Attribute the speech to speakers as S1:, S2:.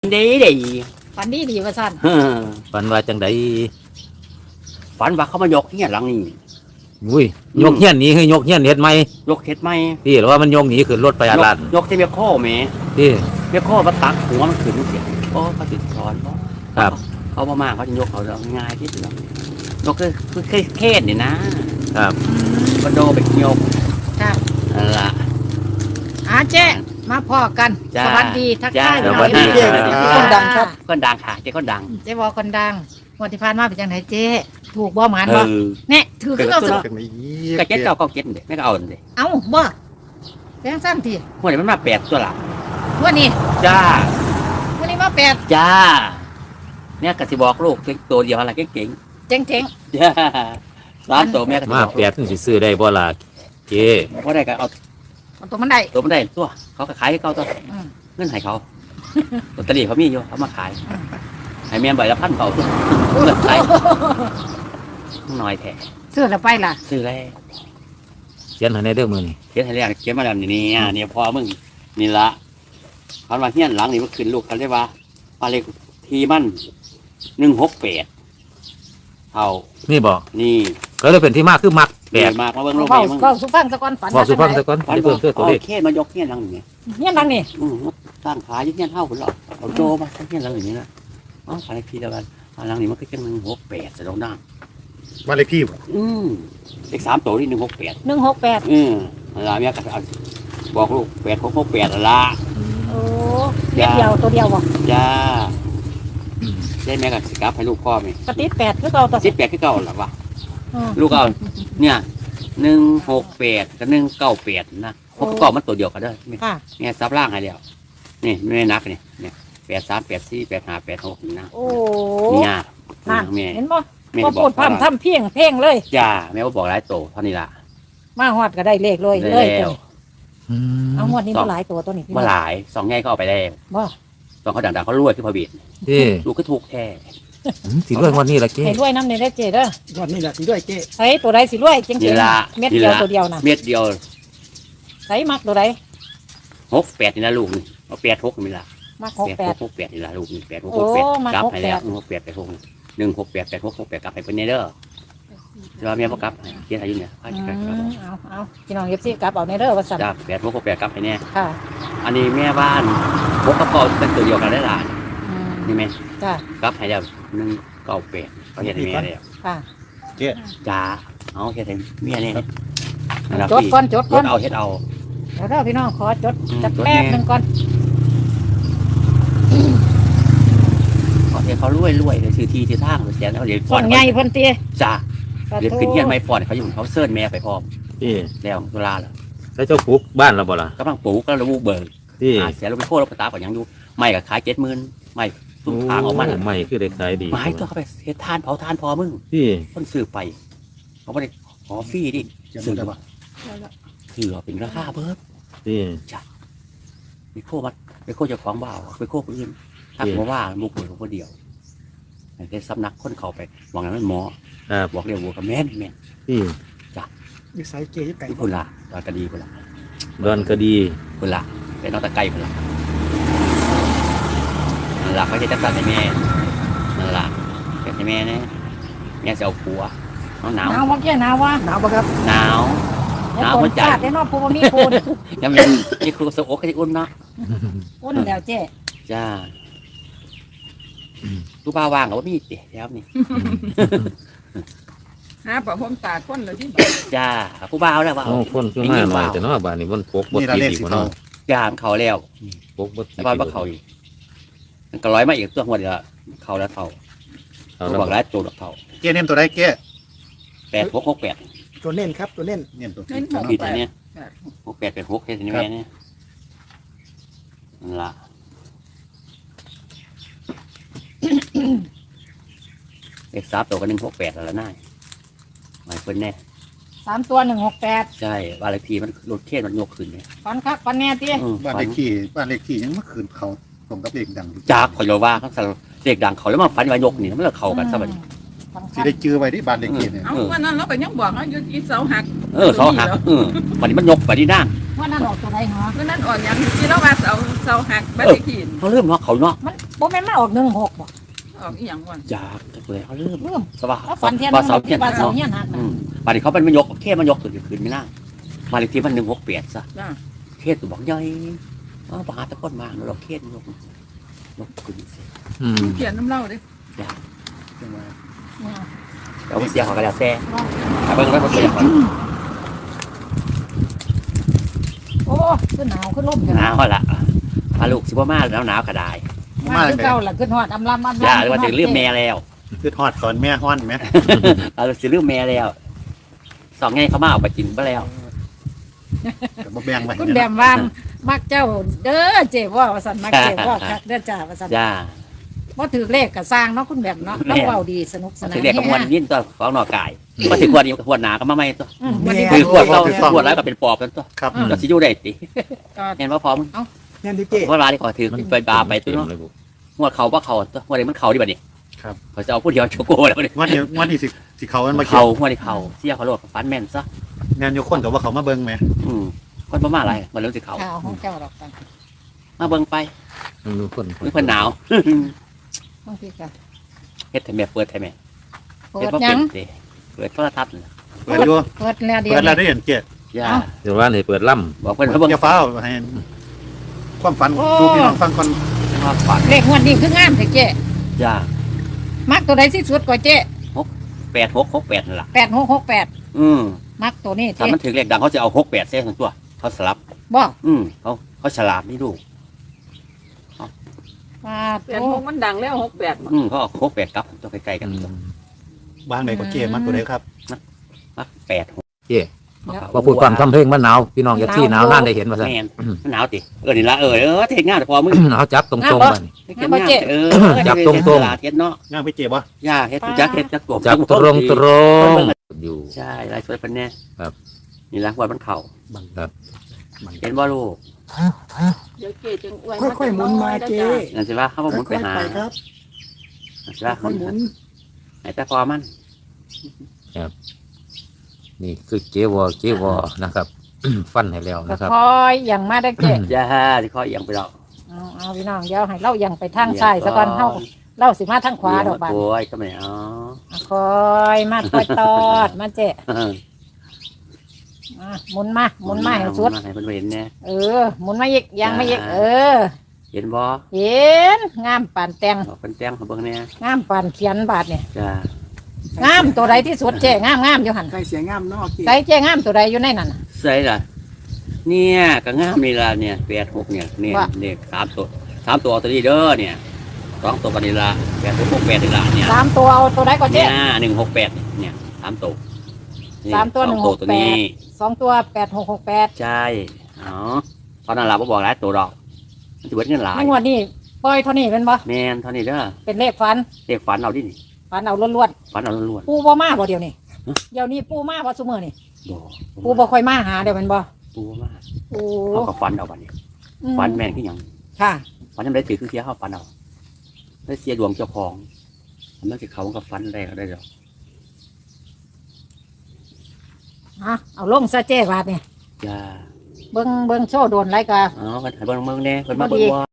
S1: ดีดี
S2: ฝันดีว่าสั่น
S3: ฝันว่าจังได
S1: ฝันว่าเขามายกเฮียหลังนี่
S3: อุ้ยยกเฮียนหนี้คือยกเฮียนเฮ็ดใหม่
S1: ยกเฮ็ดไหม
S3: พี่หรือว่ามันยกหนีขึ้นรถไปอาลาด
S1: ยกที่เมียโค้แม่
S3: พี่
S1: เมียโค้มาตักหัวมันขึ้นเสียโอ้เขาติดสอนเพราะ
S3: ครับ
S1: เขาบ่มากเขาจะยกเขาเราง่ายที่สุดยกคือเคสนี่นะครับ ก็โดไปยก
S2: ครับ
S1: นั่นล่ะ
S2: เจ๊มาพอกัน
S1: จ้า
S2: สวัสดีทักทาย
S1: จ้า
S2: หน่อย
S1: สวัสดี
S2: เจ๊
S1: ครับ
S2: คนดังครับ
S1: คนดังค่ะเจ๊คนดัง
S2: เจ๊บอกคนดังวันที่ผ่านมาเป็นจังไหนเจ๊ถูกบ่หมาน
S1: เอ
S2: บ่
S1: อ
S2: เนี่ยถือขึ้นเอาสิ
S4: กันไม่ยี้
S1: ก็เจ็ดเก้าเจ็ดเด็ไม่ก็เอาเด็
S2: เอาบ่แบงสั้นที
S1: หัวนี้มันมาแปดตัวละ
S2: วันนี้
S1: จ้า
S2: วันนี้มาแปด
S1: จ้า เนี่ยกสิบอกลูกตัวเดียวอะไรเก่ง
S2: เจ๋ง
S1: ๆจ้าสามตัวแม่ก็สิ
S3: มา
S1: บอก
S3: แปดถึงสิซื้อได้บ่ล่ะเจ้
S1: ว่าได้ก็เอา
S2: ๆเอาตัวมันได้
S1: ตัวมันได้ตัวเขาก็ขายให้เขาตัว
S2: อืม
S1: เงินให้เขาลอตเตอรี่เขามีอยู่เขามาขายให้แม่ใบละ1,000เขาตัวเงินขายน้อยแท้
S2: ซื้อแล้วไปล่ะ
S1: ซื้อแล้ว
S3: เขียนให้ในเด้อมื้อนี้
S1: เขียนให้แล้วเขียนมาแล้วนี่เนี่ยพอมึงนี่ละเขามาเฮียนหลังนี่มันขึ้นลูกเขาเรียกว่าอะไรทีมัน168เท่า
S3: นี่บ่
S1: นี่
S3: ก็เลยเป็นที่มาคือมักแปด
S1: มากมาเบิ่งลูก
S2: เฝ้า
S1: มึง
S2: เฝ้าสุฟังซะก่อนฝัน
S3: บอกสุฟังซะก่อน
S1: ฝัน
S3: สิเพิ่มเพื่อตัวเลข
S1: เคสมายกเฮียนหลังนี่
S2: เนี่ยดังนี่
S1: สร้างขายยิ่งเฮียนเท่าคนหรอกเอาโจมาสร้างเฮียนหลังอย่างนี้นะอ๋อขายทีละวันหลังนี้มันก็แค่168จะลงน้ำ
S4: บ้านเลขที่บ่
S1: เลข3ตัวที่168
S2: 168
S1: ละเมียก็เอาบอกลูก8668ละ
S2: โอ้เม็ดเดียวตัวเดียวบ่
S1: จ้าได้แม่กับสิกลับให้ลูกพ่อไหม
S2: กระติด8คือเก่าตัว
S1: 18คือเก่าหรอวะ
S2: อืม
S1: ลูกเอาเนี่ย168กับ198นะพวกประกอบมันตัวเดียวกันเด้อ
S2: ค่ะ
S1: เนี่ยซับล่างให้แล้วนี่ไม่นักเนี่ย83 84 85 86นี่นะ
S2: โอ้
S1: เนี่ย
S2: นั่น
S1: แม่
S2: เห็นบ่
S1: แม่
S2: พอ
S1: บอก
S2: พูดพร่ำทำเพียงเพ่งเลย
S1: จ้าแม่ว่าบอกหลายโตเท่านี้ล่ะ
S2: มาฮอดก็ได้เลขเลย
S1: ได้
S2: เลย
S1: แล้ว
S3: อืม
S2: เอางวดนี้มาหลายตัวตัวนี้พี่
S1: มาหลายสองแง่ก็เอาไปได้
S2: บ่
S1: สองเขาดังๆเขารวยขึ้นพอบีด
S3: เจ้
S1: ลูกก็ถูกแท้
S3: สิรวยงวันนี้ล่ะเจ้
S2: ให้รวยน้ำในได้เจเด้อ
S4: วันนี้แหละสิด้วยเจ๊
S2: ใส่ตัวใดสิรวยจริง
S1: นี่ละ
S2: ๆเม็ดเดียวตัวเดียวน่ะ
S1: เม็ดเดียว
S2: ใส่มักตัวใด
S1: 68นี่นะลูกนี่เอา86นี่ล่ะ
S2: มัก
S1: 68นี่ล่ะลูกนี่86
S2: โอ้มา
S1: 68กลับให้แล้ว
S2: 68
S1: 168 86 168 86 68กลับให้เพิ่นเด้อแล้วแม่บ่กลับให้เขียนให้อยู่เนี่ย
S2: อืมเอาพี่น้องFCกลับเอาในเด้อว่าซั่น
S1: จ้า86 68กลับให้แน่
S2: ค่ะ
S1: อันนี้แม่บ้านพกกระเป๋าเป็นตัวเดียวกันได้ล่ะ
S2: อืม
S1: นี่แม่
S2: จ้ะ
S1: กลับให้แล้ว198เขาเฮ็ดให้แม่แล้ว
S2: ค่ะ
S1: จ้าเอาเฮ็ดให้เมียนี่
S2: จดก่อนจดก่อน
S1: เอาเฮ็ดเอา
S2: เดี๋ยวเด้อพี่น้องขอจด
S1: อืม
S2: จัก
S1: จด
S2: แป๊บ
S1: แน่
S2: หนึงก่อน
S1: เอาเฮ็ดเขารวยเลยซื้อที่ทางเสียแล้วเดี๋ยวฟ
S2: ส่
S1: อ
S2: วน นใหญ่เพิ่นติ
S1: จ้าเดี๋ยวขึ้นเฮียนไม่ฟอนเขาอยู่เขาเซิร์นแม่ไปพร้อม
S3: เจ้
S1: แล้วตุลาแล้ว
S3: แล้วเจ้าปลูกบ้านแล้วบ่ล่ะ
S1: กำลังปลูกก็ระบุเบิก
S3: เจ้
S1: เสียลงไปโคตรไปตาก่อนยังอยู่ไม่ก็ขาย70,000ไม่ตุ้มทางออกมา
S3: โไม่คือได้ขายดี
S1: ไม้ตัวเขาไปเฮ็ดทานเผาทานพอมึง
S3: เจ้
S1: คนซื้อไปเขาไม่ได้ขอฟรีดิซื้อว่าคือเป็นราคาเพิ่ม
S3: เจ้
S1: ไปโคมัดไปโคเจ้าของบ้าวไปโคคนอื่นทักมาว่ามุกเหมือนคนเดียวแต่สำนักคนเขาไปหวังนั้นหมอ
S3: ครับ
S1: บอกเรียกวัวกับแม่น
S3: เจ้
S4: นิสัยเจ๊ยี่ไก่
S1: ที่พุ่นละตอนกระดีพุ่นละ
S3: ดอนก็ดี
S1: พุ่นละเป็นน้องตะไก่พุ่นละนั่นละเขาจะจัดสรรให้แม่นั่นละเก็บให้แม่เนี่ยแม่จะเอาผัวหนาว
S2: หนาวบ่แก่หนาววะ
S4: หนาวปะครับ
S1: หนาว หนาวหัวใจ
S2: ได้เนาะผู้บ่มีปูน
S1: ยังเป็นที่ครูสะอกก็จะอุ่นเนาะ
S2: อุ่นแล้วเจ๊
S1: จ้าลูกบ้าว่างกับว่ามีเตี๋ยแล้วนี่
S5: หาประพรมตาคนเลยที่
S1: จ้าผู้บ้าวแล้วว่า
S3: โอ้คนคือมาหน่อยแต่เนาะบ้านนี้มันปกบ่
S4: นี่ละ
S3: ติด
S4: เลข
S3: อีก
S4: สิ
S3: บ่
S4: เขา
S3: เนาะ
S1: จ้าเขาแล้ว
S3: ปกบ่ติด
S1: แล้วบ้านเขาอีกมันก็ร้อยมาอีกตัวหัวเดียวเขาแล้วเขา
S3: เอา
S1: เขา
S3: แล้ว
S1: บอกแล้วตัวเขา
S4: เจ๊เน้นตัวใดเจ๊
S1: 8668
S4: ตัวเน้นครับตัวเน้นเน้นตัว
S5: เน้นหก
S1: ผิด
S5: แป
S1: อั
S5: ด
S1: นเนี้ย6886แค่นี้แม่เนี่ยนั่นละเลข3ตัวก็168แล้วน่าหมายเพิ่นแน่
S2: 3ตัว168
S1: ใช่บ้านเลขที่มันรถเข็นมันยกขึ้นเนี่ย
S2: ฟันคักฟันแน่ติ
S4: บ้านเลขที่ยังเมื่อคืนเขาตรงกับเลขดัง
S1: จากขอยโยว่าเขาเด็กดังเขาแล้วมาฟันวายกนี่มันเลยเข้ากันซะบัดนี้
S4: สิได้จื้อไว้ที่บ้านเลขที่เนี่ย
S5: เอาวันนั้นเราก็ยังบอกว่าอยู่ที่เสาหัก
S1: เสาหักวันนี้มันยกไปที่นั่ง
S2: ว่านั่นออกตัวใดเหรอ
S5: วันนั้นอ่อนยังที่เราว่าเสาหักบ้านเลขที่
S1: เขาเริ่มว่าเขาเนาะ
S2: บ่แม่นมาออก16บ่
S5: ออกอีหยังวะ
S1: จากจะเปิดเขาเริ่ม
S2: เริ่ม
S1: สว่า
S2: แล้วฝันเทียน
S1: ว่าเสาเทียน
S2: ว่าเสา
S1: เนาะ
S2: เทียนหัก
S1: อื
S2: นะ
S1: มบัดนี้เขาเป็นมันยกแค่มันยกตัวเดียวคืนไม่น่ามาเลขที่มัน168ซะ
S5: จ้า
S1: เคสตัวบอกย่อยปหาตะก้นมาเราเคสยกขึ้นสิ
S3: อืม
S5: เขียนน้ำเล่าเด้
S4: จังหวะ
S1: เอาเสียงเขาก็แล้วแต่เบิ่งไว้บ่เสียง
S2: โอ้ขึ้นหนาวขึ้นลมกัน
S1: หนาวละพาลูกสิบ่มาแล้วหนาวก็ได้
S2: มา
S4: มา
S2: ขึ้น
S4: เลย
S2: เก่าล่ะขึ้นฮอดอำลำอำลำ
S1: ย่าหรือว่าจะลืมแม่แล้ว
S4: คือทอดตอนแม่ฮ้อนไหม
S1: เอาสิลืมแม่แล้วสองไงเขามาเอาไปกินไปแล้ว
S4: แต่บ่แบ่งไว้
S2: คุณแบมว่ามักเจ้าเด้อเจ๊ว่าว่าซั่นมักเจ๊ว่าคักเด้อจ้าว่าซั่น
S1: จ้า
S2: บ่ถือเลขก็สร้างเนาะคุณแบมเนาะเราเว้าดีสนุกสนาน
S1: ถึงเด็กกับมวนยินตัวของนอกกายมาถึงขวดนี้ขวดหนาก็มาไม่ตัว
S2: วันนี้
S1: คือขวดเราขวดแล้วก็เป็นปอบกันตัว
S4: ครับ
S1: จะสิอยู่ได้ติ
S2: ก็
S1: เห็นว่าพร้อม
S6: เนี่ยดิเจ
S1: เพราะร้านที่ขอถือไปบาไปตัวเนาะ
S3: เลยบุ
S1: งวดเขาว่าเขาตัวงวดนี้มันเขาดิบัดนี้
S4: ครับ
S1: เขาจะเอาผู้เดียวโชโก้แล้วเนี่ย
S4: วันที่สิเขามันมา
S1: เขางวดนี้เขาเสียเขาโลดฟันแม่นซะ
S4: แม่นอยู่คนกับว่าเขามาเบิ่งไหม
S1: คนประมาณอะไรมันเริ่มสิเขา
S2: ข่าวของเจ้าดอกกัน
S1: มาเบิ่งไป
S3: มันดูคน
S1: เพิ่นหนาว
S2: บางทีก็
S1: เฮ็ดให้แม่เปิดให้แม่
S2: เปิ
S1: เฮ็ด
S2: ด
S1: บ่
S2: หยั
S1: เป็น
S2: ง
S1: ติเปิดโทรทัศน์น่ะ
S4: เปิดอยู่
S2: เปิดแล้วเดียว
S4: เปิดแล้วได้เห็นเจ็ด
S1: ย่า
S3: เดี๋ยวว่านี่เปิดล่
S1: บอกเพิ่นว่าเบิ่ง
S4: อย่าฟ้าวให้ความฝันสู่พี่น้องฟังก่อน
S1: ว่าฝัน
S2: เลขงวดนี้คืองามแท้เจ๊
S1: ย่า
S2: มักตัวใดที่สุดกว่าเจ๊
S1: 8668นั่นล่ะ
S2: 8668
S1: อืม
S2: มักตัวนี้
S1: ถ้า
S2: เจ๊
S1: มันถึงเลขดังเขาจะเอา68เส้นทั้งตัวเขาสลับ
S2: บ่
S1: เขาฉลาดนี่ดู
S2: ว่า
S5: เปลี่ยน
S2: โต
S5: พวกมันดังแล้ว68บ่
S1: เขาเอา68กลับตัวใกล้ๆกันตัว
S4: วางไหนก็เจ็ดมันตัวไหนครับ
S1: มัก86
S3: ำเจ้ว่าพูดความทำเพลงมันหนาวพี่น้องอย่าที่หนาวนั่นได้เห็นว่าซั่น
S1: แม่นมันหนาวตินี่ละเทศงานแต่พอมึง
S3: หนาวจับตรงๆบัดนี้
S1: เทศงาน
S3: จับตรงๆ
S1: ตลาดเฮ็ดเนาะ
S4: ย่างไปเจ็บวะ
S1: ย่าเฮ็ดจักเฮ็ดจักกบ
S3: จับตรงอยู่
S1: ใช่ลายสวยเพิ่นแน่
S3: ครับ
S1: นี่ละวัดมันเข่า
S3: ครับ
S1: เห็นบ่ลูก
S5: เดี๋ยวเจ๊จึงอวย
S6: ค่อยๆหมุนมาเจ
S1: นั่นสิว่าเขาบ่หมุนไป
S6: ค่อย
S1: หา
S6: ๆไปครับ
S1: นั่นสิว่า
S6: ค่อยๆหมุน
S1: ให้แต่พอมัน
S3: นี่คือเจวอนะครับ ฟันให้แล้ว
S2: ก็
S3: นะครับ
S2: คอยอย่างมาได้เจ๊
S1: ย่าสิขอเอียงไปแล้ว
S2: เอาพี่น้องเดี๋ยวให้เราอย่างไปทางซ้ายซะก่อนเฮาเราสิมาทางขวาดอกบาน
S1: โอ้ยก็ไม่เอา
S2: คอยมาคอยตอดมาเจ๊หมุนมาหมุนมาให้สุด
S1: ให้เพิ่นเห็นแน่
S2: หมุนมาอีกยังมาอีก
S1: เห็นบ่
S2: เห็นงามปานแตง
S1: เพิ่นแต่งให้เบิ่งแน่
S2: งามปานเขียนบาทเนี่ย
S1: จ้า
S2: งามตัวใดที่สุดเจ๊งามอยู่หัน
S6: ใส่เสียงงามเนอก
S2: ใส่เจ๊งามตัวใดอยู่ในนั้นน่ะ
S1: ใส่ล่ะเนี่ยก็งามนี่ล่ะเนี่ย86เนี่ยเนี่ย
S2: ว่า
S1: เนี่ย3ตัวตัวนี้เด้อเนี่ย2ตัวกันนี่ล่ะ8668นี่ล่ะเนี่ย
S2: สามตัวเอาตัวใดก็เจ๊
S1: เนี่ย168เนี่ย3ตัวนี่
S2: สามตัว
S1: สองตัวนี้
S2: สองตัว8668
S1: ใช่อ๋อตอนนั้นเราบอกหลายตัวดอกมันจะเบิดเงินหลาย
S2: ในงวดนี้ปล่อยเท่านี้เป็นบ่
S1: แมนเท่านี้เด้อ
S2: เป็นเลขฝัน
S1: เด็กฝันเอาดินี่
S2: ฝันเอาล้วน
S1: ฝันเอาล้วน
S2: ๆปูบ่มาบ่เดี๋ยวนี้เดี๋ยวนี้ปูมาบ่ซุมื้อนี่
S1: ๆบ่
S2: ปูบ่ค่อยมาหาเดี๋ยวแม่นบ่
S1: ปูมา
S2: ปู
S1: เขาก็ฝันเอาบัดนี้ฝันแม่นคือหยัง
S2: ค่ะ
S1: ฝันยังได้ถือคือเสียเขาฝันเอาได้เสียดวงเจ้าของมันจะเขาก็ฝันได้ก็ได้ดอก
S2: เอาลงซะเจ๊บาทนี่
S1: จ้า
S2: เบิ่งโชว์โดนไรก็
S1: อ๋อเพิ่นให้เบิ่งแน่เพิ่นมาเบิ่งว่า